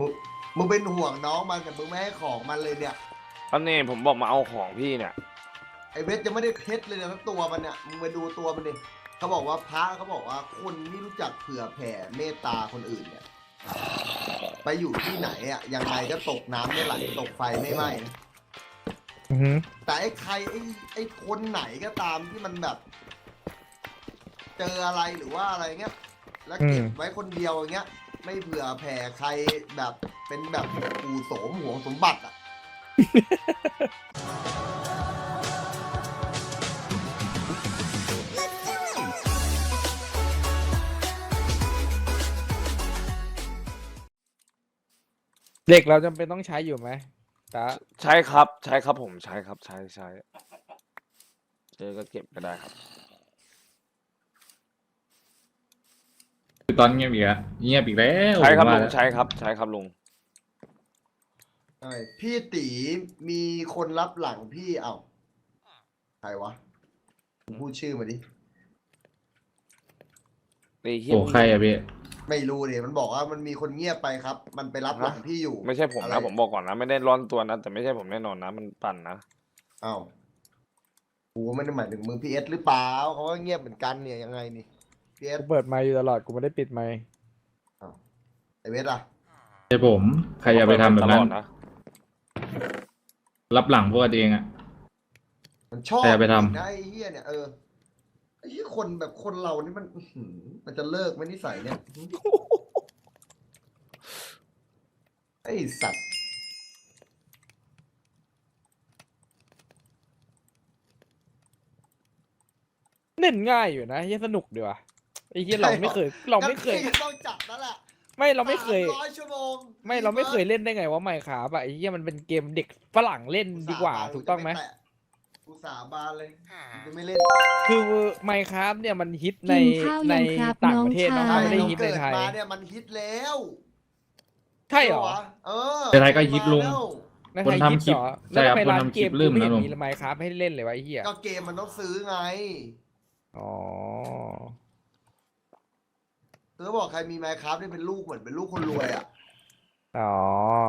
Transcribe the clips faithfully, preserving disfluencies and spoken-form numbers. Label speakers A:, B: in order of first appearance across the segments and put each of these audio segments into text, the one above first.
A: มึงมึงเป็นห่วงน้องมันแต่มึงไม่ให้ของมันเลยเนี่ย
B: อันนี้ผมบอกมาเอาของพี่เนี่ย
A: ไอเวทยังไม่ได้เพชรเลยนะทั้งตัวมันเนี่ยมึงไปดูตัวมันดิเขาบอกว่าพระเขาบอกว่าคนไม่รู้จักเผื่อแผ่เมตตาคนอื่นเนี่ยไปอยู่ที่ไหนอ่ะยังไงก็ตกน้ำไม่ไหลตกไฟไม่ไหม้นะ
C: อือหือ
A: แต่ไอ้ใครไอ้ไอ้คนไหนก็ตามที่มันแบบ เจออะไรหรือว่าอะไรเงี้ยแล้วเก็บไว้คนเดียวอย่างเงี้ย ไม่เผื่อแผ่ใครแบบเป็นแบบปู่โสมหวงสมบัติอ่ะ
C: เหล็กเราจำเป็นต้องใช้อยู่ไหมตา
B: ใช่ครับใช่ครับผมใช้ครับใช้ใช้เจอก็เก็บก็ได้ครับ
D: คือตอนเงียบอีกแล้วเงียบอีกแล้ว
B: ใช้ครับ
D: ผม
B: ลุ
D: ว่าง แล้ว
B: ใช้ครับใช้ครับลุง
A: ใช่พี่ตีมีคนรับหลังพี่เอ้าใครวะพูดชื่อมาดิ
B: ไอ้เหี้ย
D: โอ้ใครอะพี่
A: ไม่รู้เดี๋ยมันบอกว่ามันมีคนเงียบไปครับ มันไปรับหลังพี่อยู่
B: ไม่ใช่ผม
A: อ
B: นะ
A: ไร
B: ผมบอกก่อนนะไม่ได้ร้อนตัวนะแต่ไม่ใช่ผมแน่นอนนะมันปั่นนะ
A: เอ้ากูไม่ได้หมายถึงมึงพีเอสหรือเปล่าเขาก็เงียบเหมือนกันเนี่ยยังไงนี่พีเอส
C: กูเปิดไมค์อยู่ตลอดกูไม่ได้ปิดไมค์
A: ไอเวทอะ
D: ใช่ผม ใครจะไปทำแบบนั้น
B: ตลอดนะ
D: รับหลังพวกกันเองอะ
A: มันชอบ
D: ใครไปทำ
A: จริงนะไอ้เฮียเนี่ยเออไอ้เฮียคนแบบคนเรานี่มันอื้อหือมันจะเลิกไหมนิสัยเนี่ยไอ้สัตว์
C: เล่นง่ายอยู่นะเฮียสนุกดีว่ะไอ้เฮียเราไม่เคย เราไม่เคย
A: งั้นพี่ก็ต้องจับนั่นแหละ
C: ไม่เราไม่เคย
A: ร้อยชั่วโมง
C: ไม่เราไม่เคยเล่นได้ไงว่าไมค์ครับอะไอ้เฮียมันเป็นเกมเด็กฝรั่งเล่นดีกว่าถูกต้องไหม
A: กูสาบานเลยกูจะไม่เล่น
C: คือไมค์ครับเนี่ยมันฮิตใน
E: กินข้าว
C: ใน
E: ยังครับ
C: ต่างประเทศ
E: น้อง
C: เนาะ
E: ชาย
C: ไม่ได้
A: เรา
C: ฮิตใน
A: เกิด
C: ไทย
A: มาเนี่ยมันฮิตแล้ว
C: ใช่เหรอ
A: วะเออ
D: ในไทยก็ฮิตลุง
C: ในไทย
D: คนทำ
C: ฮิตเหรอ
D: คลิปใช่
C: แล้ว
D: ครับ
C: ทำไมร้าน
D: คนทำ
C: เกม
D: คลิปลืม
C: ไม่เห็น
D: นะลุง
C: มีไมค์ครับให้เล่นเลยวะไอ้เฮีย
A: ก็เกมมันต้องซื้อไง
C: อ๋อ
A: เออบอกใครมีไมค์ครับนี่เป็นลูกเหมือนเป็นลูกคนรวยอ่ะ
C: อ๋อ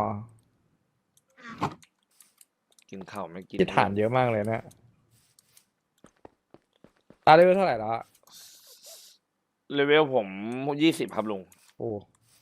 B: กินข้าวไม่กิน
C: ที่ฐานเยอะมากเลยนะตาได้เท่าไหร่แล้วอะ
B: เลเวลผมยี่สิบครับลุง
C: โอ้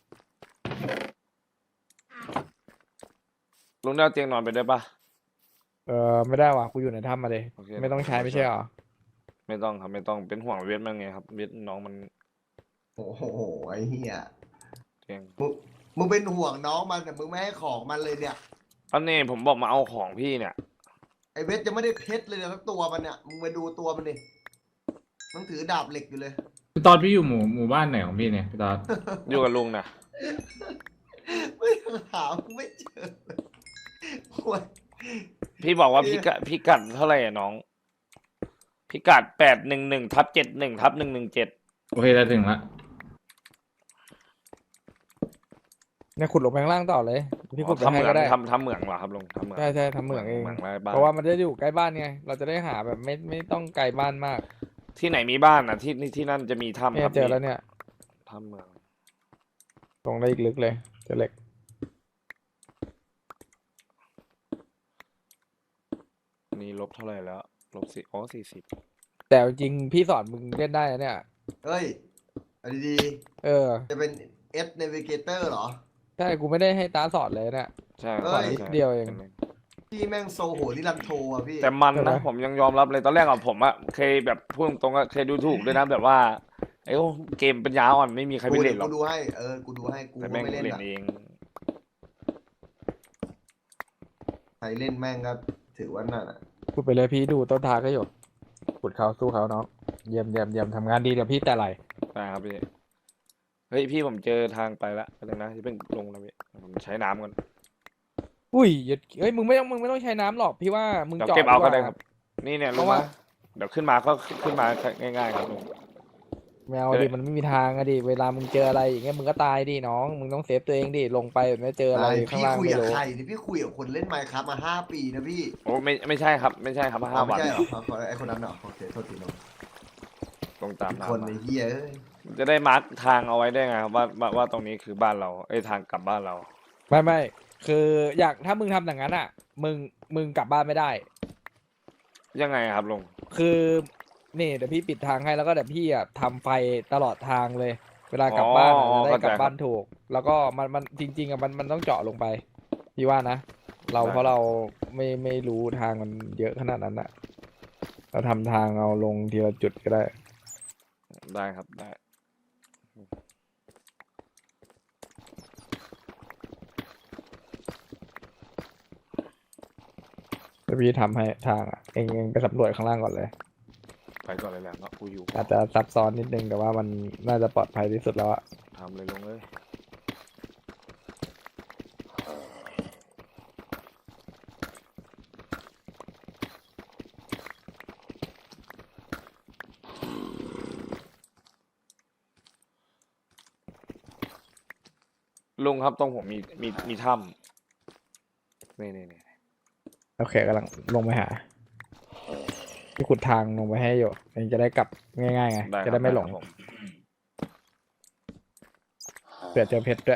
B: ลุงได้เอาเตียงนอนไปด้วยปะ
C: เออไม่ได้ว่ะกูอยู่ในถ้ำมาเลย
B: โอเค
C: ไม่ต้องใช้ไม่ใช่เหรอ
B: ไม่ต้องครับไม่ต้องเป็นห่วงเวทมันไงครับเวทน้องมัน
A: โอ้โหไอ้เหี้ย
B: เตียง
A: มึงมึงเป็นห่วงน้องมันแต่มึงไม่ให้ของมันเลยเนี่ย
B: อันนี้ผมบอกมาเอาของพี่เนี่ย
A: ไอเวทยังไม่ได้เพชรเลยนะทั้งตัวมันเนี่ยมึงไปดูตัวมันดิมันถือดาบเหล็กอยู่เลย
D: พี่ตอนพี่อยู่หมู่หมู่บ้านไหนของพี่เนี่ยพี่ตอน
B: อยู่กับลุงนะ
A: ไม่หาไม่เจอเลยโอ้ย
B: พี่บอกว่า
A: เอ๊ะ
B: พิกัดพิกัดเท่าไหร่อะน้อง พิกัดแปดหนึ่งหนึ่งทับเจ็ดหนึ่งทับหนึ่งหนึ่งเจ็ด
D: โอเคได้ถึงละ
C: เนี่ยขุดลงไปข้างล่างต่อเลยพี่ขุดไป
B: ทำเห
C: ให้
B: มือ
C: ก็
B: ง
C: ได้
B: ทำทำเหมืองเหรอครับลุงทำเหมือง
C: ใช่ใช่ทำเหมืองเอง
B: เหมืองไร้บ้าน
C: เพราะว่ามันจะอยู่ใกล้บ้านไง เราจะได้หาแบบไม่ไม่ต้องไกลบ้านมาก
B: ที่ไหนมีบ้านอ่ะที่ที่นั่นจะมีถ้ำ
C: เนี่
B: ค
C: ย
B: รับ
C: เจอแล้วเนี่ย
B: ถ้ำเหมือง
C: ตรงได้อีกลึกเลยเจอเหล็ก
B: นี่ลบเท่าไหร่แล้วลบสี่อ๋อสี่สิบ
C: แต่จริงๆพี่สอนมึงเล่นได้นะเนี่ย
A: เฮ้ยเอาดี
C: เออ
A: ๆจะเป็น S Navigator เหรอ
C: ใช่กูไม่ได้ให้ตาสอนเลยเนี่ย
B: ใช่
A: เอ้ย
B: ใช่
C: นิดเดียวเอง
A: พี่แม่งโซโหนิรันโทอ่ะพี่
B: แต่มัน
C: ใช่ไหม
B: นะผมยังยอมรับเลยตอนแรกอะผมอะเคยแบบพูดตรงๆอะเคยดูถูกด้วยนะแบบว่าไอ้โอ้เกมปัญญาอ่อนไม่มีใครไป
A: กู
B: เล่
A: เดี๋ย
B: น
A: ว
B: หรอ
A: กู
B: ก
A: ดูให้เออกูดูให้กู
B: แต่
A: ก็
B: แม่ง
A: ไม่เล่น
B: เล่น
A: อ่ะ
B: เอง
A: ใครเล่นแม่งก็ถือว่านั่นอ่ะ
C: พูดไปเลยพี่ดูต้นทางก็อยู่ขุดเขาสู้เขาเนาะเยี่ยมเยี่ยมเยี่ยมทำงานดีเดี๋ยวพี่แต่ไหล
B: ได้ครับพี่เฮ้ยพี่ผมเจอทางไปละไปเลยนะที่เพิ่งลงนะพี่ผมใช้น้ำก่อน
C: อุ้ยอย่าเฮ้ยมึงไม่ต้องมึงไม่ต้องใช้น้ำหรอกพี่ว่ามึง
B: เดี๋ยว
C: เจาะ
B: เก็บเอา
C: ดี
B: ก็
C: ว่า
B: ได้ครับ นี่เนี่ย
C: เพ
B: ลง
C: ราะ
B: มา
C: ว่า
B: เดี๋ยวขึ้นมาก็ขึ้นมาง่ายๆครับลุง
C: แมว
B: เออ
C: ดิมันไม่มีทางอะดิเวลามึงเจออะไรอย่างเงี้ยมึงก็ตายดิน้องมึงต้องเซฟตัวเองดิลงไปแบบไม่เจออะไรข้าง
A: พี่
C: ล่าง
A: คุย
C: ไม่
A: กับ
C: รู้
A: ใครนี่พี่คุยกับคนเล่นไมค์ครับมาห้าปีนะพี่
B: โอ้ไม่ไม่ใช่ครับไม่ใช่ครับห้า
A: อ้าว
B: วั
A: ไม่
B: น
A: ใช่เหรอเอาขอไอคนนั้นเหรอโอเคโทษทีน้อง
B: ลงตาม
A: อีก
B: น้ำ
A: คน
B: มา
A: ในเฮียเอ้ย
B: จะได้มาร์กทางเอาไว้ได้ไงครับว่าว่าว่าตรงนี้คือบ้านเราไอ้ยทางกลับบ้านเรา
C: ไม่ไม่คืออยากถ้ามึงทำอย่างนั้นอ่ะ มึงมึงกลับบ้านไม่ได้
B: ยังไงครับลุง
C: คือนี่เดี๋ยวพี่ปิดทางให้แล้วก็เดี๋ยวพี่อ่ะทำไฟตลอดทางเลย เวลากลับบ้านอ่ะ
B: อ๋อ
C: จะได้กลับ
B: เข้าใจ
C: บ้านถูก แล้วก็มันมันจริง ๆอ่ะมันมันต้องเจาะลงไป พี่ว่านะ เรา
B: ได้
C: เพราะเราไม่ไม่รู้ทางมันเยอะขนาดนั้นอ่ะ เราทำทางเอาลงทีละจุดก็ได้
B: ได้ครับได้
C: แล้วพี่ทำให้ทางอ่ะเองเองไปสำรวจข้างล่างก่อนเลย
B: ไปก่อนเลยแหละเนาะกูอยู่
C: อาจจะซับซ้อนนิดนึงแต่ว่ามันน่าจะปลอดภัยที่สุดแล้วอะ
B: ทำเลยลุงเลยลุงครับตรงผมมีมีมีถ้ำนี่นี่นี่
C: โอเคกำลังลงไปหาพี่ขุดทางลงไปให้อยู่เองจะได้กลับง่ายๆไง
B: ได้ครับ
C: จะได้ไม่หลง
B: ครับผม
C: เผื่อเจอเพชรด้วย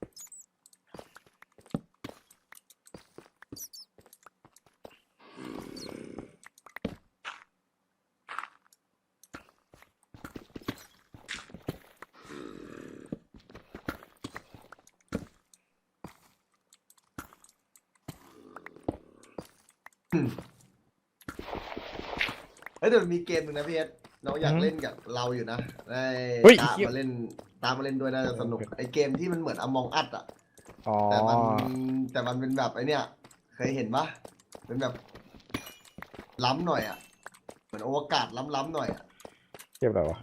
A: เฮ้ยเดี๋ยวมีเกมหนึ่งนะพี่เอสน้องอยาก
C: อืม
A: เล่นกับเราอยู่นะได้
C: เฮ้ย
A: ตาม
C: เหี้ย
A: มาเล่นตามมาเล่นด้วยน่าจะสนุกไอเกมที่มันเหมือนอมองอัดอะ
C: อ๋อ
A: แต่มันแต่มันเป็นแบบไอเนี้ยเคยเห็นปะเป็นแบบล้ำหน่อยอะเหมือนโอวกาศล้ำๆหน่อยอะ
C: เก็บอะไรวะ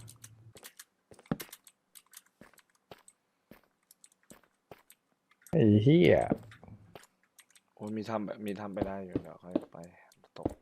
C: ไอ้เหี้ย
B: โอ้ยมีทำแบบมีทำไปได้อยู่เดี๋ยวค่อยไปตก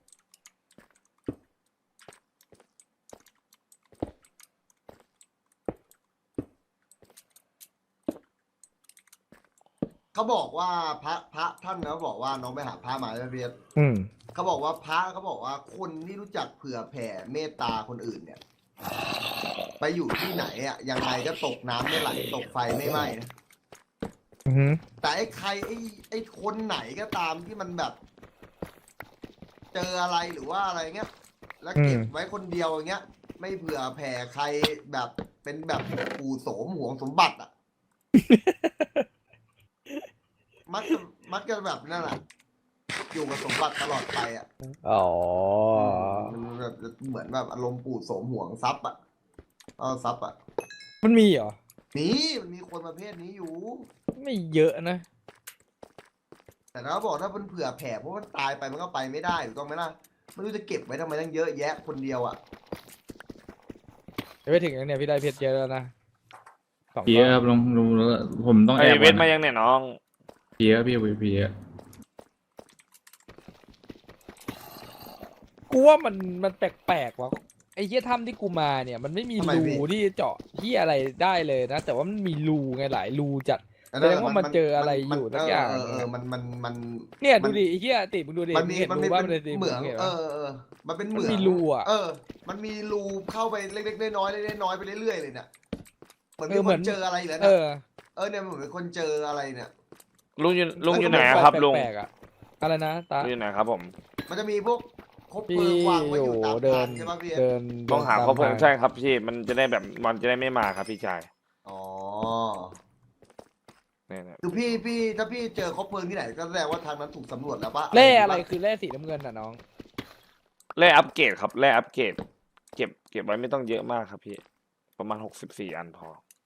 A: เขาบอกว่าพระพระท่านนะบอกว่าน้องไปหาพระมาใช่ไหมพี่เอส
C: อืม
A: เขาบอกว่าพระเขาบอกว่าคนที่รู้จักเผื่อแผ่เมตตาคนอื่นเนี่ย ไปอยู่ที่ไหนอะยังไงก็ตกน้ำไม่ไหลตกไฟไม่ไหม้นะ
C: อือหือ
A: แต่ไอ้ใครไอ้ไอ้คนไหนก็ตามที่มันแบบ เจออะไรหรือว่าอะไรเงี้ย แล้วเก็บไว้คนเดียวอย่างเงี้ย ไม่เผื่อแผ่ใครแบบเป็นแบบปู่โสมหวงสมบัติอ่ะ มักจะมักจะแบบนั่นแหละอยู่กับสมบัติตลอดไปอ่ะ
C: อ๋อ
A: มันแบบเหมือนแบบอารมณ์ปู่โสมหวงทรัพย์อ่ะเอาทรัพย์อ่ะ
C: มันมีเหรอ
A: นี่มันมีคนประเภทนี้อยู่
C: ไม่เยอะนะ
A: แต่ถ้าบอกถ้ามันเผื่อแผ่เพราะมันตายไปมันก็ไปไม่ได้ถูกต้องไหมล่ะไม่รู้จะเก็บไว้ทำไมตั้งเยอะแยะคนเดียวอ่ะ
C: ไปถึงแล้วเนี่ยพี่ได้เพชรเยอะแล้วนะสอง
D: เพี
C: ก้
D: ย
C: อน
D: ครับลุงลุงแล้วผมต้อง
B: ไอ
D: แอบ
B: เวทมา
D: ก่อน
B: ยังเนี่ยน้อง
D: เพียพี่วีเพีย
C: กูว่ามันมันแปลกๆว่ะไอ้เหี้ยถ้ำที่กูมาเนี่ย มันไม่มี
A: ทำไม
C: รู
A: พี่
C: ที่เจาะที่อะไรได้เลยนะ แต่ว่ามันมีรูไงหลายรูจัด
A: อัน
C: แสดงว่ามันเจออะไรอยู่สักอย่าง
A: เออเออมันมันมัน
C: เนี่ย
A: มั
C: ดูดิไอ้เหี้ยติมึงดูดิ
A: มันมี
C: งเห็น
A: มัน
C: รู
A: มี
C: ว่า
A: เป็
C: มัน
A: น
C: ใน
A: เหมือง
C: ห็น
A: เอ
C: ปะ
A: อเออมันเป็นเห
C: มัน
A: มือง
C: มีรูอ่ะ
A: เออ มันมีรูเข้าไปเล็กๆน้อยๆเล็กๆน้อยๆไปเรื่อยๆเลยเนี่ยเหมือน
C: เอ
A: มี
C: อ
A: ค
C: เหมือน น
A: เจออะไรอีกแล้ว
C: เอ
A: เนี่ย
C: อ
A: เออเนี่ยเหมือนมีคนเจออะไรเนี่ย
B: ลุงอยู่ลุงอยู่
A: เอ้
B: ไหน
A: ย
B: อะครับลุง
C: แปลกๆอะอะไรนะตา
B: ลุงอยู่ไหนครับผม
A: มันจะมีพวกคบเพ
C: พี่
A: ลิงวางไว้
C: อ
A: อยู่ ยู่ตาม
C: เดิ
A: ทาน งใช่ปะพี่เอส
C: เดิน
B: ต้องหา
C: ดิน
B: ข้อเพลิง
C: ตมท
B: ใช่ครับพี่มันจะได้แบบมันจะได้ไม่มาครับพี่ชาย
A: อ๋อ
B: เนี่ยเนี่ย
A: คือพี่พี่ถ้าพี่เจอคบเพลิงที่ไหนก็แสดงว่าทางนั้นถูกสำรวจแล้วปะ
C: แร่อะไรคือแร่สีน้ำเงินอ่ะน้อง
B: แร่อัปเกรดครับแร่อัปเกรดเก็บเก็บไว้ไม่ต้องเยอะมากครับพี่ ประมาณหกสิบสี่อันพอ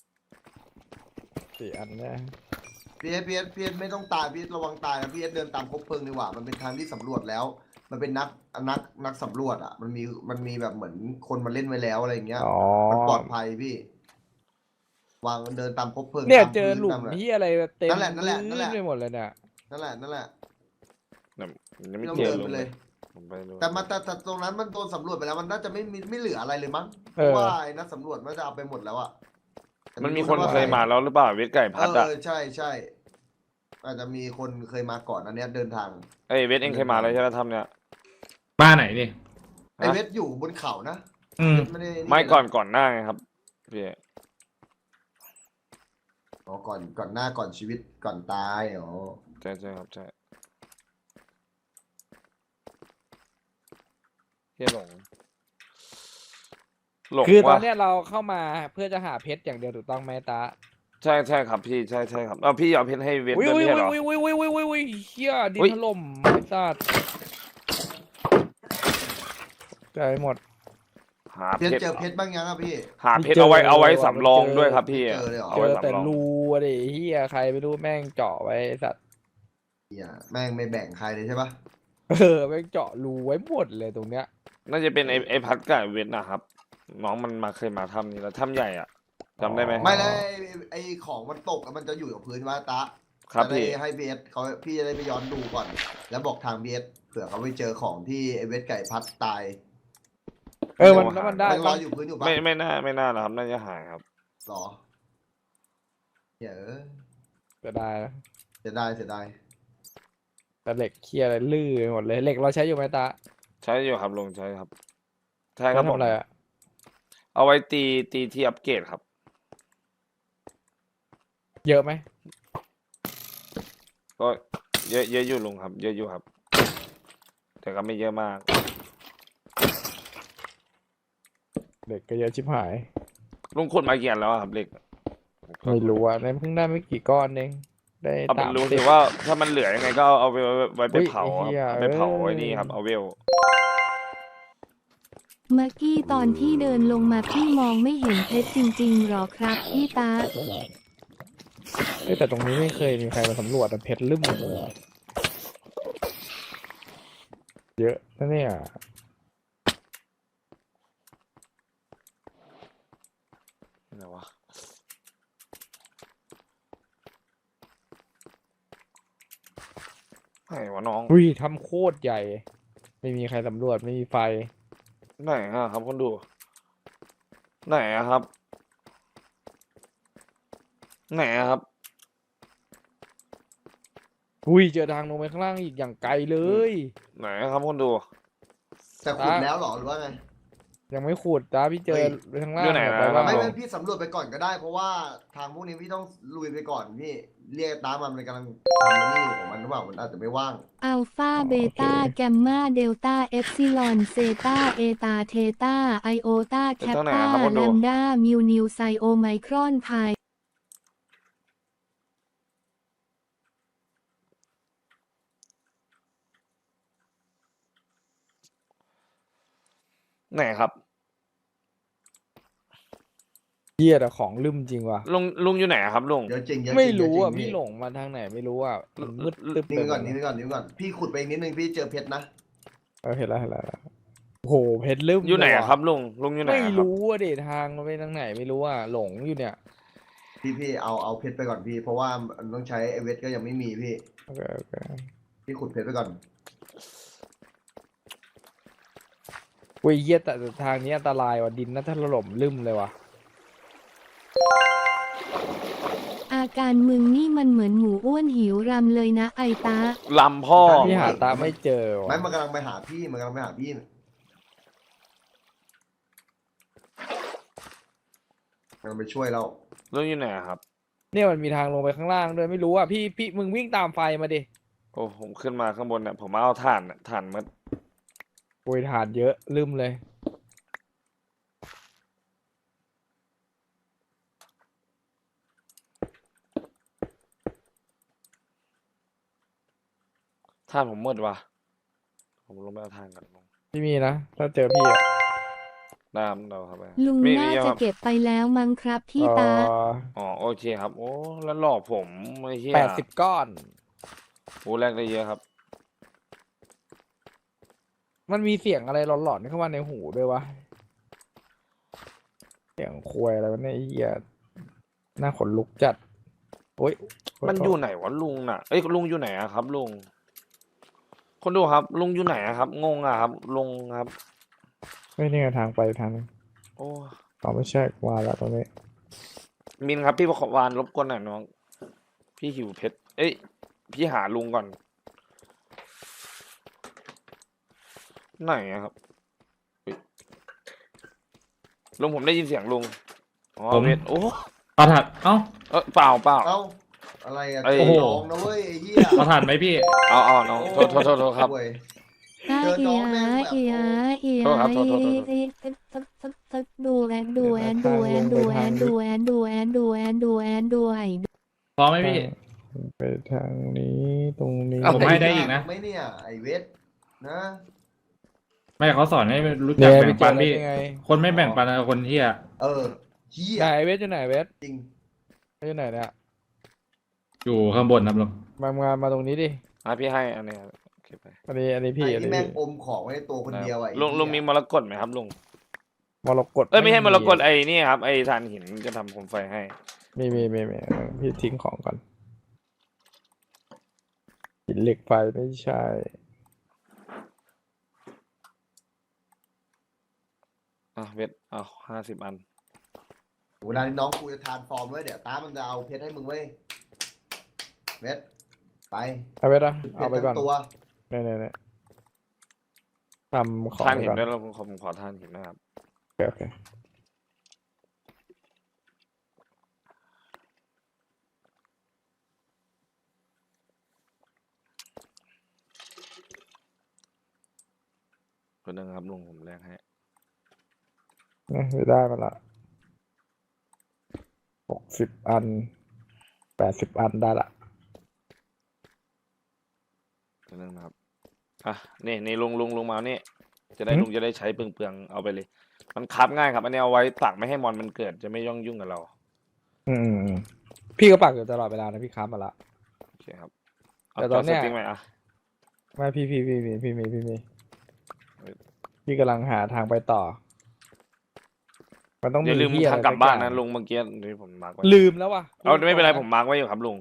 C: สี่อันนะ
A: พี่เอสพี่เอสพี่เอสไม่ต้องตายพี่เอสระวังตายนะพี่เอสเดินตามคบเพลิงดีกว่ามันเป็นทางที่สำรวจแล้ว มันเป็นนักนักนักสำรวจอ่ะ มันมีมันมีแบบเหมือนคนมาเล่นไว้แล้วอะไรอย่างเงี้ย
C: อ๋อ
A: มันปลอดภัยพี่ วางเดินตามคบเพลิง
C: เนี่ย
A: ตาม
C: เจอ
A: พื้น
C: หลุม
A: ตาะไร
C: ที่อะไรเต็ม
A: นั่นแหละนั่นแหละนั่นแหละ
C: ไปหมดเลยเนี่ย
A: นั่นแหละนั่นแหละ
B: เนี่ยยังไม่
A: เรา
B: เจอ
A: เดิน
B: ลุ
A: ไป
B: ง
A: เล
B: เลย ยผมไปดู
A: แต่มันแต่แต่ตรงนั้นมันโดนสำรวจไปแล้วมันน่าจะไม่มีไม่เหลืออะไรเลยมั้งเพ
C: เออ
A: ราะว่าไอ้นักสำรวจมันจะเอาไปหมดแล้วอ่ะแต่
B: มันมี
A: รู้
B: คน
A: ว่า
B: เคยมาแล้วหรือเปล่าเวทไก่
A: เอ
B: พัดอะ
A: อใช่ใช่อาจจะมีคนเคยมาก่อนอันเนี้ยเดินทาง
B: ไอยเวทเองเคยมาแล้วใช่ไหมทำเนี่ย
D: บ้านไหนนี่
A: ไอเวทอยู่บนเขานะ
D: อืม
A: ไม่ได้
B: ไม่ก่อนก่อนหน้าไงครับพี่
A: อ๋อก่อนก่อนหน้าก่อนชีวิตก่อนตายอ๋อ
B: ใช่ใช่ครับใช่เฮียหลงหลง
C: คือตอ
B: ว่ะ
C: นเนี้ยเราเข้ามาเพื่อจะหาเพชรอย่างเดียวถูกต้องไหมตา
B: ใช่ใช่ครับพี่ใช่ใช่ครับเอาพี่เอาเพชรให้เวท
C: อุ้ย
B: ด้วย
C: อุ้
B: ไม่
C: ย
B: ใช่เหรอ
C: อุ้ยอุ้ยอุ้ยอุ้ยอุ้ยอุ้ยเฮียดิน
B: อุ๊ย
C: ถล่มไอ้สัตว์ใจหมด
B: หา
A: เพ
B: เพ
A: ชร
B: ชร
A: เจอเพชรบ้างยังอ่ะพี่
B: หาเพชร
C: ไม่เจอ
B: เอาไว้เอาไว้
C: ว่ะ
B: สำรอง
C: มันเจอ
B: ด้วยครับพี่
A: ไม่เจอเลยเหรอ
B: เอา
C: เจ
B: ไว้
C: อแต่
B: สำรอง
C: รูอะดิเฮียใครไม่รู้แม่งเจาะไว้ไอ้สัตว์
A: เหี้ยแม่งไม่แบ่งใครเลยใช่ปะ
C: เออแม่งเจาะรูไว้หมดเลยตรงเนี้ย
B: น่าจะเป็นไอไอพัดกับไอ้เวทนะครับ น้องมันมาเคยมาถ้ำนี้แล้วถ้ำใหญ่อ่ะจำได้ไหม
A: ไม่แล้วไอ้ไอ้ของมันตกอะมันจะอยู่กับพื้นวะตะ
B: ครับ
A: จะได้
B: พี่
A: ให้เบสเขาพี่จะได้ไปย้อนดูก่อน แล้วบอกทางเบสเผื่อเขาไปเจอของที่ไอ้เวทไก่พัดตาย
C: เออมัน
B: โอ้
C: แล้วมันได้
A: มันล
C: ปะ
A: อยอยู่พื้นอยู่ปะ
B: ไม่ไม่น่าไม่น่าหรอกครับน่าจะหายครับ
A: หรอเหี้ยเอะ
C: จะได้นะ
A: เสียดายเสียดาย
C: แต่เหล็กเคลียร์อะไรลื่นไปหมดเลยเหล็กเราใช้อยู่ไหมตา
B: ใช้อยู่ครับลงใช้ครับ ใช่ค
C: ใช้
B: รับผ
C: ทำ
B: ม
C: อะไรอะ
B: เอาไว้ตีตีที่อัปเกรดครับ
C: เยอะไหม
B: ก็เยอะเยอะอยู่ลุงครับ เยอะอยู่ครับ แต่ก็ไม่เยอะมาก
C: เหล็กก็เยอะชิบหาย
B: ลุงขุดมากี่อันแล้วอะครับเหล็ก
C: ไม่รู้อ่ะในเพิ่งได้ไม่กี่ก้อนเองได้
B: เอาเป็
C: สาน ม
B: ลุง
C: สิ
B: ถื
C: บ
B: อว่าถ้ามันเหลือยังไงก็เอาเอาไปไว้ไป
C: อุ๊ย
B: เผาครับ
C: ไอ้เหี้ย
B: เอาไปเผา
C: เอ้ย
B: ไว้นี่ครับเอาเวล
E: เมื่อกี้ตอนที่เดินลงมาพี่มองไม่เห็นเพชรจริงๆหรอครับพี่ตา
C: เอ้ยแต่ตรงนี้ไม่เคยมีใครมาสำรวจแต่เพชรลืมเลยอะเยอะนะเนี่ย
B: ไหนวะไหนวะน้อง
C: อุ้ยทำโคตรใหญ่ ไม่มีใครสำรวจไม่มีไฟ
B: ไหนอะครับคนดู ไหนอะครับ ไหนอะครับ
C: อุ้ยเจอทางลงไปข้างล่างอีกอย่างไกลเลย
B: ไหนอะครับคนดู
A: แต่ขุดแล้วเหรอหรือว่าไง
C: ยังไม่ขุดจ้าพี่เจอ
A: เฮ้ย
C: ข้างล่าง
B: อยู่ไหน
C: อะ
B: นะ
C: ไปบ้าง
A: ไม่
C: เหร
A: ไม่
C: อ
A: พี่สำรวจไปก่อนก็ได้ เพราะว่าทางพวกนี้พี่ต้องลุยไปก่อนพี่เรียกตามมันมันกำลังทำมันนี่อยู่ของมันหรือเปล่ามันอาจจะไม่ว่าง
E: อัลฟาเบต้าแกมมาเดลต้าเอฟซิลอนเซตาเอตาเทตาไอโอตาแคป
B: ไปทางไหน
E: ตา
B: อะครับคนดู
E: แลมดามิวนิวไซโอไมครอนพาย
B: ไหนครับ
C: เฮียแต่ของลืมจริงว่ะ
B: ลุงลุงอยู่ไหนอะครับลุง
A: เดี๋ยวจริงเดี๋ยวจ
C: ไม่
A: ริง
C: รู้อ่ะ
A: เดี๋ยวจ
C: พี่
A: ริง
C: หลงมาทางไหนไม่รู้อ่ะมันมืดตึ๊บ
A: นี่
C: ไป
A: ไป
C: หม
A: ก่อน
C: ด
A: นี่ไปก่อนนี่ไปก่อนพี่ขุดไปอีกนิดนึงพี่เจอเพชรนะ
C: เออเห็นแล้วเห็นแล้วเห็นแล้วโอ้โหเพชรลืม
B: อยู่ไหน
C: เล
B: อะ
C: ว่ะ
B: ครับลุงลุงอยู่ไหน
C: ไม่
B: อะครับ
C: รู้อ่ะเดทางมันไปทางไหนไม่รู้อ่ะหลงอยู่เนี่ย
A: พี่พี่เอาเอาเพชรไปก่อนพี่ เพราะว่ามันต้องใช้ไอเวทก็ยังไม่มีพี่
C: โอเคโอเค
A: พี่ขุดเพชรไปก่อน
C: อุ้ยเหี้ยแต่ทางนี้อันตรายว่ะดินน่าถล่มลืมเลยว่ะ
E: อาการมึงนี่มันเหมือนหมูอ้วนหิวรำเลยนะไอตา
B: ลำพ่อ
C: พี่หาตาไม่เจอ
A: ไม่
C: ว่ะ
A: มันกำลังไปหาพี่มันกำลังไปหาพี่มันกำลังไปช่วยเรา
B: ลุงอยู่ไหนอะครับ
C: เนี่ยมันมีทางลงไปข้างล่างด้วยไม่รู้อ่ะพี่พี่มึงวิ่งตามไฟมาดิ
B: โอ้ผมขึ้นมาข้างบนเนี่ยผมมาเอาถ่านน่ะถ่านมัด
C: โวยฐานเยอะลืมเลย
B: ถ่านผมมืดว่ะผมลงไปเอาถ่านกันลง
C: พี่มีนะถ้าเจอพี่อ่ะ
B: ได้ครับเราครับไป
E: ลุง
B: มี
E: น่า
B: มี
E: จะ
B: ครับ
E: เก็บไปแล้วมั้งครับพี่
C: เอ่
E: ตา
C: อ
B: อ๋อโอเคครับ โอ้แล้วหลอกผมไอ้เหี้ย
C: แปดสิบก้อน
B: โอ้แรกได้เยอะครับ
C: มันมีเสียงอะไรหลอนๆเข้ามาในหูด้วยวะเสียงควยอะไรวะเนี่ยไอ้เหี้ยหน้าขนลุกจัดโอ้ย
B: มันอยู่ไหนวะลุงน่ะเอ้ยลุงอยู่ไหนอะครับลุงคนดูครับ ลุงอยู่ไหนอะครับ งงอะครับลุงครับ
C: ไม่นี่ไงทางไปทางนึง
B: โอ้
C: อ๋อไม่ใช่ว่าแล้วตรงนี้
B: มินครับพี่ประขอวานรบกวนหน่อยน้อง พี่หิวเพชรเอ้ยพี่หาลุงก่อนไหนอะครับเฮ้ยลุงผมได้ยินเสียงลุงอ๋อเวทโอ้
D: ปลาถัดเอ้า
B: เออเปล่าเปล่า
A: เอ้าอะไรอะ
B: เอ้ย
A: โอ้
D: โอ้โห
A: น้องนะเว้ยไอ้เหี้ย
D: ปลาถัดไหมพี่
B: เอาเอาน้องโทษโทษโทษโทษครับ
A: โอ้ย
E: ตา
A: เจอ
E: เอี
A: น้อง
E: ย
A: แม่งแบบ
E: เอียเอีย
B: โทษครับโทษโทษโทษ
E: เอียดูแอนดูแอนดูแอนดูแอนดูแอนดูแอนดูแอนดูแอนดูแอน
D: พร้อมไหมพี่
C: ไปทางนี้ตรงนี้
D: ผมให้ได้อีกนะ
A: ไม่เนี่ยไอเวทนะ
D: ไม่เขาสอนให้รู้จั
C: เนี่
D: ก
C: ย
D: แบ่งปันพี่
C: ไง
D: คนไม่แบ่งปันกับคนเที่ย
A: เออเหี้ย
C: ไหนเวทอยู่ไหนเวท
A: จริง
C: อยู่ไหนเนี่ย
D: อยู่ข้างบนครับลุง
C: มางานมาตรงนี้ดิ
B: อ่ะพี่ให้อันนี้ครับโอเคไป
C: อันนี้อันนี้พี่
A: ไอ้
C: อัน
A: ที่
C: นี้
A: แม่ง
C: พี่
A: อมของไว้ในตัวคนเดียวอะไอ้
B: ลุง
A: เหี้ย
B: ลุงมีมรกตไหมครับลุง
C: มรกต
B: เอ้ยไม่ใช่มรกตไอ้นี่ครับไอ้ถ่านหินจะทำโคมไฟให้
C: มีมีมีมีพี่ทิ้งของก่อนหินเหล็กไฟไม่ใช่
B: อ่ะเวทเอาห้าสิบอัน
A: เวลาที่น้องกูจะทานฟอร์มไว้เดี๋ยวตามันจะเอาเพชรให้มึงเว้ยเวทไป
C: เอาไปนะ
A: เพ
C: เอา
A: ชร
C: ไปก่อ
A: ทั้
C: น
A: งตัว
C: เนี่ยเนี่ยเนี่ยทำของ
B: ท่าน
C: ไป
B: หิน
C: ก่อน
B: ด้วยเราผมขอผมขอท่านหินนะครับ
C: โอเคโอเค
B: คนนึงครับลุงผมแลกให้
C: เนี่ยไปได้มาละหกสิบอันแปดสิบอันได้ละ
B: คนนึงนะครับอ่ะนี่นี่ลุงลุงลุงมาเอานี่จะได้ลุงจะได้ใช้เปลืองๆเอาไปเลย มันคับง่ายครับอันนี้เอาไว้ตักไม่ให้มอนมันเกิดจะไม่ย่องยุ่งกับเรา
C: อืมอืมอืมพี่ก็ปักอยู่ตลอดเวลานะพี่ค้ามาละ
B: โอเคครับเอา
C: แต่
B: จ
C: ต
B: อ
C: อนเนี้
B: ส
C: ย
B: ติ๊กไหมอ่ะ
C: ไม่พี่พี่พี่พี่พี่มีพี่มี
B: เฮ้ย
C: พี่กำลังหาทางไปต่อ มันต้อง
B: อย่าลืม
C: ที่
B: ทาง
C: อะไร
B: กลับบ้าน
C: สั
B: นะ
C: อย่
B: ลุงเมื่อกี้ที่ผมมาร์กไว้
C: ลืมแล้ววะ
B: เอาไม่เป็นไรผมมาร์กไว้อยู่ครับลุง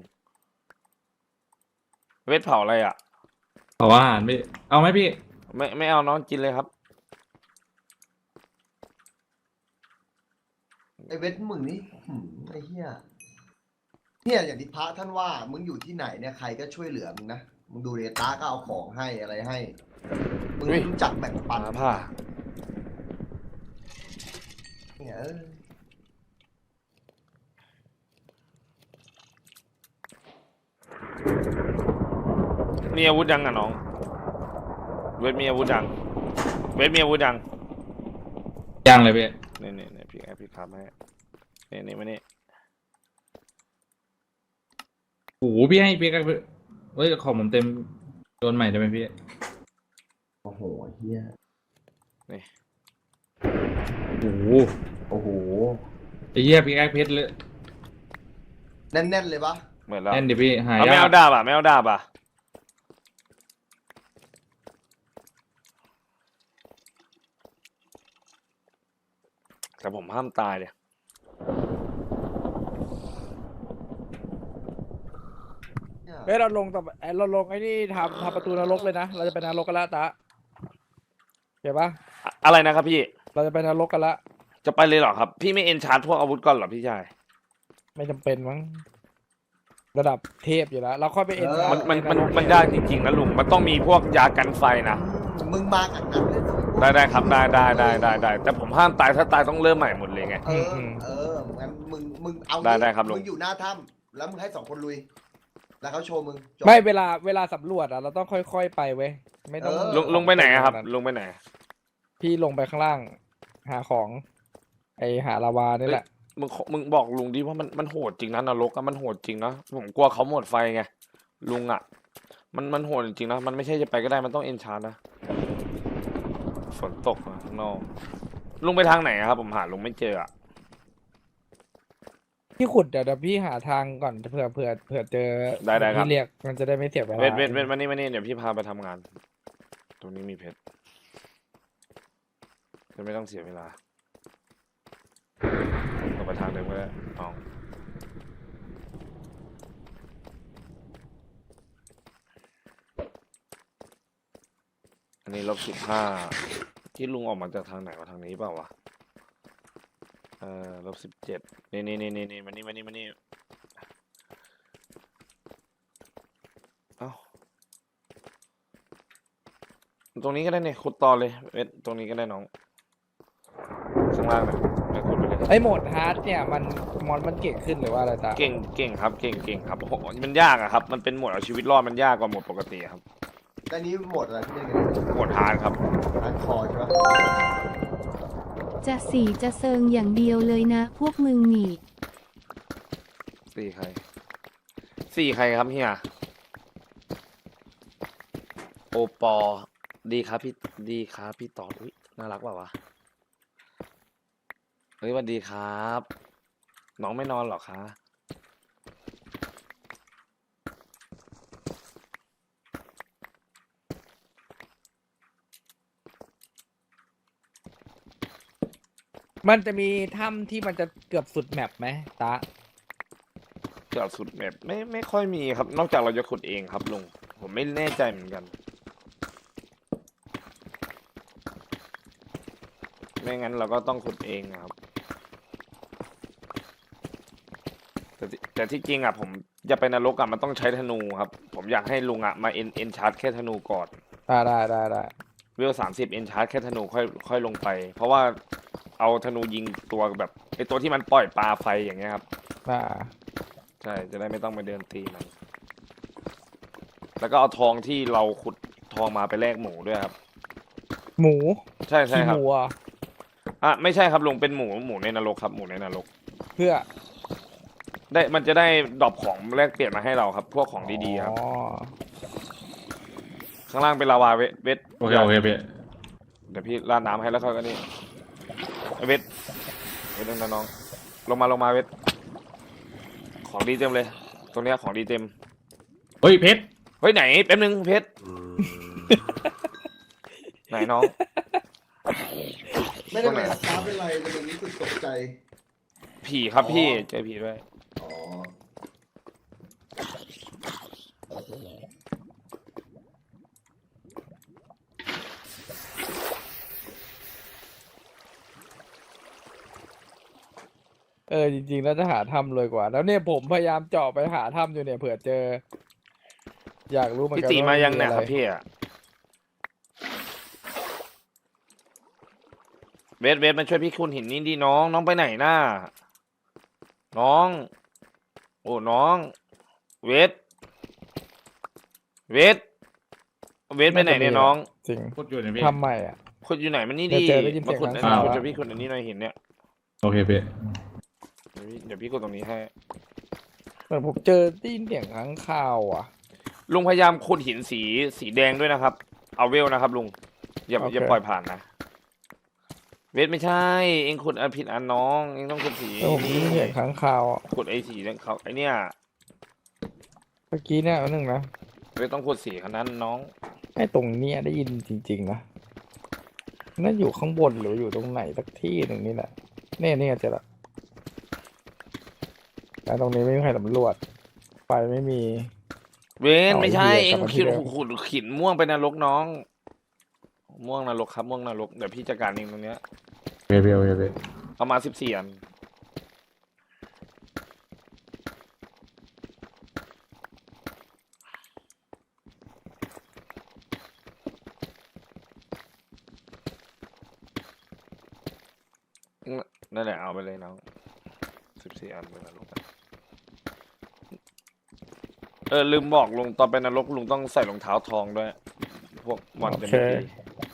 B: เวทเผาอะไรอ่ะ
D: ขออาหารพี่ เอาไหมพี่
B: ไม่ไม่เอาน้องกินเลยครับ
A: ไอเวทมึงนี่หืมไอ้เหี้ยเนี่ยอย่างที่พระท่านว่ามึงอยู่ที่ไหนเนี่ยใครก็ช่วยเหลือมึงนะมึงดูเดตาก็เอาของให้อะไรให้มึง
B: เฮ้ย
A: รู้จักแบ่งปัน
B: มาผ้า
A: เนี่ยเออ
B: มีอาวุธยังอ่ะน้อง เวทมีอาวุธยังเวทมีอาวุธยัง
D: ยังเลยพี่
B: นี่นี่นี่พี่แอปพี่ครับให้นี่นี่มานี่
D: โอ้โหพี่ให้พี่ก็เฮ้ยของผมเต็มโดนใหม่ได้ไหมพี่
A: โอ้โหเหี้ย
D: โอ้โห
A: โอ้โห
D: ไอ้เหี้ยพี่แอคเพชรเลย
A: แน่นๆเลยปะ
B: เหมือนแล้ว
D: แน่นดิพี่หาย
B: เอาไม่
D: ยา
B: เอา
D: ก
B: ดาบอ่ะไม่เอาดาบอ่ะแต่ผมห้ามตายเลย
A: เนี่ย
C: เฮ้ยเราลงต่อไปเราลงไอ้นี่ทำทำประตูนรกเลยนะ เราจะไปนรกกันละตะเห็นปะ
B: อะอะไรนะครับพี่
C: เราจะไปนรกกันละ
B: จะไปเลยเหรอครับ พี่ไม่เอนชาร์จพวกอาวุธก่อนเหรอพี่ชาย
C: ไม่จำเป็นมั้งระดับเทพอยู่แล้วเราค่อยไปเอ็น
B: มันมันมันมันยากจริงๆนะลุง มันต้องมีพวกยากันไฟนะ
A: อืมมึงมากับนั้นเลย
B: ได้ได้ครับได้ได้ได้ได้ได้แต่ผมห้ามตายถ้าตายต้องเริ่มใหม่หมดเลยไง
A: เออเอองั้นมึงมึงเอา
B: ได้ได้ครับลุง
A: มึงอยู่หน้าถ้ำแล้วมึงให้สองคนลุย แล้วเขาโชว์มึงจบ
C: ไม่เวลาเวลาสำรวจอะเราต้องค่อยๆไปเว้ยไม่ต้อง
A: เออ
B: ลุงลุงไปไหนอะครับ ลุงไปไหน
C: พี่ลงไปข้างล่าง หาของ ไอหาลาวานี่แหละ
B: มึงขอมึงบอกลุงดิว่ามันมันโหดจริงนะนรกอะมันโหดจริงนะผมกลัวเขาหมดไฟไงลุงอะมันมันโหดจริงๆนะมันไม่ใช่จะไปก็ได้มันต้องเอนชาร์นะฝนตกอะข้างนอกลุงไปทางไหนอะครับ ผมหาลุงไม่เจออะ
C: พี่ขุดเดี๋ยวเดี๋ยวพี่หาทางก่อนเผื่อเผื่อเผื่อเจอ
B: ได้ได้ครับ
C: พี่เรียกมันจะได้ไม่เสียเวลา
B: เวทเวทเวทมานี่มานี่เดี๋ยวพี่พาไปทำงาน ตรงนี้มีเพชรจะไม่ต้องเสียเวลาเราไปทางเดิมก็ได้น้องอันนี้ลบสิบห้าที่ลุงออกมาจากทางไหนวะทางนี้เปล่าวะเออลบสิบเจ็ดนี่นี่นี่นี่นี่มานี่มานี่มานี่เอ้าตรงนี้ก็ได้เนี่ยขุดต่อเลยเวทตรงนี้ก็ได้น้องข้างล่างนะไปขุดไปเลย
C: ไอโหมดฮาร์ดเนี่ยมันมอนมันเก่งขึ้นหรือว่าอะไรตา
B: เก่งเก่งครับ เก่งเก่งครับโอ้โหมันยากอะครับ มันเป็นโหมดเอาชีวิตรอดมันยากกว่าโหมดปกติครับ
A: แต่นี้โหมดอะไรที่เล่นกัน
B: โหมดฮาร์ดครับ
A: ฮาร์ดคอร์ใช่ปะ
E: จะสีจะเซิงอย่างเดียวเลยนะ พวกมึงนี่
B: สี่ใคร สี่ใครครับเฮีย โอปอ ดีครับพี่ ดีครับพี่ต่ออุ้ยน่ารักเปล่าวะ เฮ้ยสวัสดีครับ น้องไม่นอนหรอคะ
C: มันจะมีถ้ำที่มันจะเกือบสุดแมปไหมตา
B: เกือบสุดแบบไม่ไม่ค่อยมีครับ นอกจากเราจะขุดเองครับลุง ผมไม่แน่ใจเหมือนกัน ไม่งั้นเราก็ต้องขุดเองนะครับ แต่ที่แต่ที่จริงอ่ะผมจะไปนรกอ่ะมันต้องใช้ธนูครับ ผมอยากให้ลุงอ่ะมาเอ็นเอ็นชาร์จแค่ธนูก่อน
C: ได้ได้ได้ได้
B: เวลสามสิบเอ็นชาร์จแค่ธนูค่อยค่อยลงไป เพราะว่าเอาธนูยิงตัวแบบไอตัวที่มันปล่อยปลาไฟอย่างเงี้ยครับ
C: อ่า
B: ใช่ จะได้ไม่ต้องไปเดินตีมัน แล้วก็เอาทองที่เราขุดทองมาไปแลกหมูด้วยครับ
C: หมู
B: ใช่ใช่
C: ขี้
B: ค
C: ห
B: รับ
C: มูอ่ะ
B: อ่ะไม่ใช่ครับลุงเป็นหมูหมูในนรกครับหมูในนรก
C: เพื่อ
B: ได้มันจะได้ดรอปของแลกเปลี่ยนมาให้เราครับ พวกของดีๆครับ
C: อ๋อ
B: ข้างล่างเป็นลาวาเวทเวท
D: โอเคโอเคพี่
B: เดี๋ยวพี่ราดน้ำให้แล้วก็นี่ไอ้เวทเวทน้องๆลงมาลงมาเวทของดีเต็มเลย ตรงเนี้ยของดีเต็ม
D: เฮ้ยเพชร
B: เฮ้ยไหนแป๊บนึงเพชร ไหนน้อง
A: ไม่ได้เป็นฟ้าเป็นไรแต่มันรู้สึกตกใจ
B: ผีครับพี่
A: อ๋อ
B: เจอผีด้วย
A: อ๋อ
C: เออจริงๆแล้วจะหาถ้ำรวยกว่า แล้วเนี่ยผมพยายามเจาะไปหาถ้ำอยู่เนี่ยเผื่อเจอ อยากรู้เหมือน
B: พี่
C: กัน
B: ตี
C: ว่า
B: มายัง
C: น
B: เนี่ย
C: อะ
B: ค
C: ไร
B: รับพี่อะเวทเวทมาช่วยพี่คุณหินนี่ดีน้อง น้องไปไหนน่าน้อง โอ้น้อง เวทเวทเวทไปไหนเนี่ยน้อง
C: จริง
D: พูดอยู่เนี่ยพี่
C: ถ้ำใหม่อ่ะ
B: คุณอยู่ไหนมันนี่
C: เดี๋
B: ดี
C: ยวเจอได้ยินเสี
B: มาย
C: ง
B: ขุด
C: ข้าง
B: นะ
C: ข่าว
B: คุณ
C: อะ
B: จะพี่ขุดอันนี้หน่อยหินเนี่ย
D: โอเคพี่
B: เดี๋ยวพี่เดี๋ยวพี่กดตรงนี้ให้
C: เหมือนผมเจอได้ยินเสียงข้างข่าวอ่ะ
B: ลุงพยายามขุดหินสีสีแดงด้วยนะครับ เอาเวลนะครับลุง อย่า
C: โอเค
B: อย่าปล่อยผ่านนะ เวทไม่ใช่ เองขุดอันผิดอันน้อง เองต้องขุดสี
C: แล้วผมได้ยินเสียงข้างข่าวอะ
B: ขุดไอ้สีเนี่ยเขาไอ้เนี่ย
C: เมื่อกี้เนี่ยอันหนึ่งนะ
B: เวทต้องขุดสีขนาดนั้นน้อง
C: ไอ้ตรงเนี้ยได้ยินจริงๆนะน่าอยู่ข้างบนหรืออยู่ตรงไหนสักที่หนึ่งนี่แหละเนี่ยเนี่ยเจอละแต่ตรงนี้ไม่มีใครสำรวจไฟไม่มี
B: เวน
C: เอา
B: ไม่ใช่
C: ไอ้
B: เอ
C: เหี้
B: ง
C: ยกลับมาที่
B: ขีด
C: เดิม
B: ขุดขินม่วงไปนรกน้อง ม่วงนรกครับม่วงนรกเดี๋ยวพี่จัดการเองตรงเนี้ย
D: โอเคพี่โอเคพี่
B: เอามาสิบสี่อันนั่นแหละเอาไปเลยน้องสิบสี่อันเป็นนรกอะเออลืมบอกลุงตอนไปนรกลุงต้องใส่รองเท้าทองด้วย พวกมอนจะไม่ตี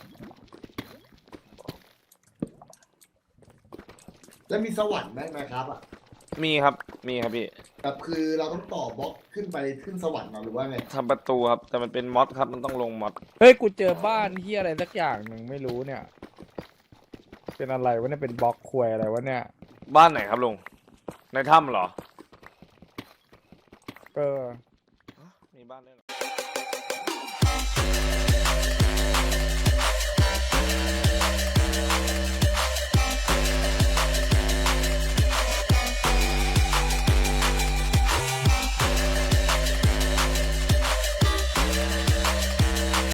A: แล้วมีสวรรค์ไหมนะครับอ่ะ
B: มีครับ มีครับพี่
A: แบบคือเราต้องต่อบล็อกขึ้นไปขึ้นสวรรค์เหรอหรือว่าไง
B: ทำประตูครับ แต่มันเป็นมอดครับ มันต้องลงมอด
C: เฮ้ยกูเจอบ้านที่อะไรสักอย่างหนึ่งไม่รู้เนี่ย เป็นอะไรวะเนี่ยเป็นบล็อกควยอะไรวะเนี่ย
B: บ้านไหนครับลุง ในถ้ำเหรอ
C: เออ
B: มีบ้านด้วยเหรอ